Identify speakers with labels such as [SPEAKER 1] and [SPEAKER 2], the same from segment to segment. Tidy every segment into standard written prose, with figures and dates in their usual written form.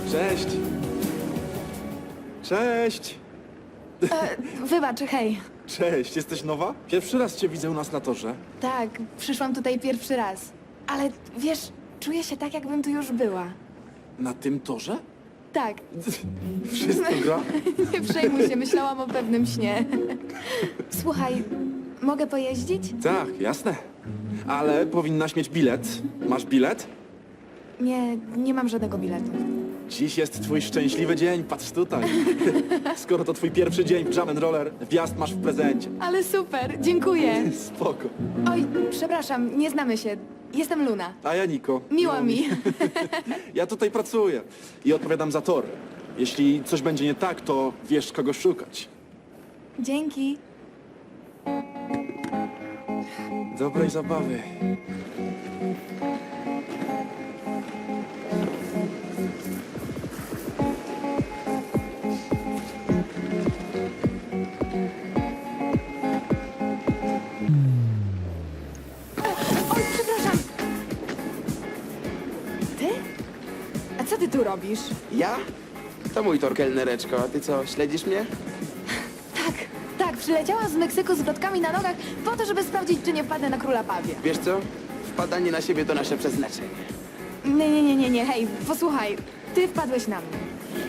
[SPEAKER 1] Cześć. Cześć.
[SPEAKER 2] Wybacz, hej.
[SPEAKER 1] Cześć, jesteś nowa? Pierwszy raz cię widzę u nas na torze.
[SPEAKER 2] Tak, przyszłam tutaj pierwszy raz. Ale wiesz, czuję się tak, jakbym tu już była.
[SPEAKER 1] Na tym torze?
[SPEAKER 2] Tak,
[SPEAKER 1] Wszystko gra?
[SPEAKER 2] nie przejmuj się, myślałam o pewnym śnie. Słuchaj, mogę pojeździć?
[SPEAKER 1] Tak, jasne. Ale powinnaś mieć bilet. Masz bilet?
[SPEAKER 2] Nie, nie mam żadnego biletu.
[SPEAKER 1] Dziś jest twój szczęśliwy dzień, patrz tutaj. Skoro to twój pierwszy dzień w Jam Roller, wjazd masz w prezencie.
[SPEAKER 2] Ale super, dziękuję.
[SPEAKER 1] Spoko.
[SPEAKER 2] Oj, przepraszam, nie znamy się. Jestem Luna.
[SPEAKER 1] A ja Niko.
[SPEAKER 2] Miło mi.
[SPEAKER 1] Ja tutaj pracuję i odpowiadam za tor. Jeśli coś będzie nie tak, to wiesz kogo szukać.
[SPEAKER 2] Dzięki.
[SPEAKER 1] Dobrej zabawy.
[SPEAKER 2] Oj, przepraszam. Ty? A co ty tu robisz?
[SPEAKER 3] Ja? To mój tor, kelnereczko. A ty co, śledzisz mnie?
[SPEAKER 2] Tak, przyleciałam z Meksyku z wrotkami na nogach po to, żeby sprawdzić, czy nie wpadnę na króla pawie.
[SPEAKER 3] Wiesz co? Wpadanie na siebie to nasze przeznaczenie.
[SPEAKER 2] Nie, hej, posłuchaj. Ty wpadłeś na mnie.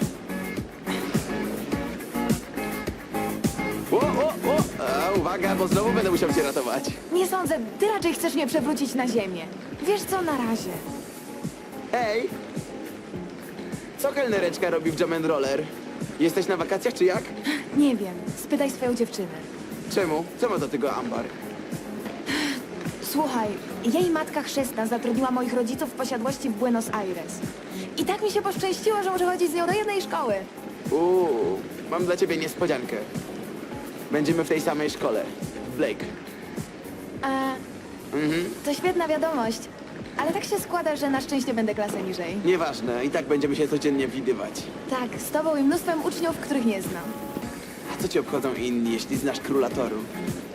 [SPEAKER 3] A, uwaga, bo znowu będę musiał cię ratować.
[SPEAKER 2] Nie sądzę, ty raczej chcesz mnie przewrócić na ziemię. Wiesz co, na razie.
[SPEAKER 3] Hej! Co kelnereczka robi w Jam and Roller? Jesteś na wakacjach czy jak?
[SPEAKER 2] Nie wiem, spytaj swoją dziewczynę.
[SPEAKER 3] Czemu? Co ma do tego Ambar?
[SPEAKER 2] Słuchaj, jej matka chrzestna zatrudniła moich rodziców w posiadłości w Buenos Aires. I tak mi się poszczęściło, że muszę chodzić z nią do jednej szkoły.
[SPEAKER 3] Mam dla ciebie niespodziankę. Będziemy w tej samej szkole. Blake.
[SPEAKER 2] A, to świetna wiadomość. Ale tak się składa, że na szczęście będę klasę niżej.
[SPEAKER 3] Nieważne, i tak będziemy się codziennie widywać.
[SPEAKER 2] Tak, z tobą i mnóstwem uczniów, których nie znam.
[SPEAKER 3] A co ci obchodzą inni, jeśli znasz króla toru?